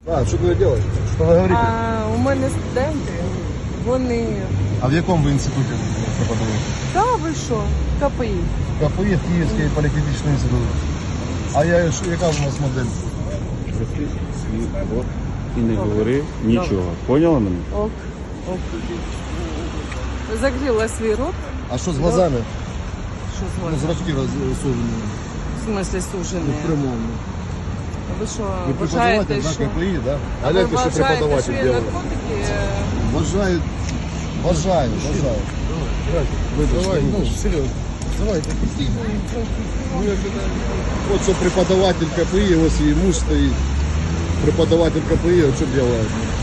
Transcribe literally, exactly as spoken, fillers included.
А, что вы делаете? Что вы говорите? А у мене студенти, вони... А в якому ви інституті преподаваєте? Та ви що? КПІ. КПІ, Київський політехнічний інститут. А я, що- яка у нас модель? Роти свій рот і не говори нічого. Поняла мене? Ок, ок. Закрила свій рот. А що з глазами? Що з Ну, вами? зрачки розсужені. В смислі сужені? Прямому. Ви що, Ви вважаєте, преподаватель, що... да, КПІ, да? А А ви гляньте, що вважаєте, преподаватель що є делает. наркотики? Бажаю, бажаю, бажаю. Давай, ну, серйозно. Давайте. Вот что преподаватель КПИ, вот и муж стоит. Преподаватель КПИ, вот что делает.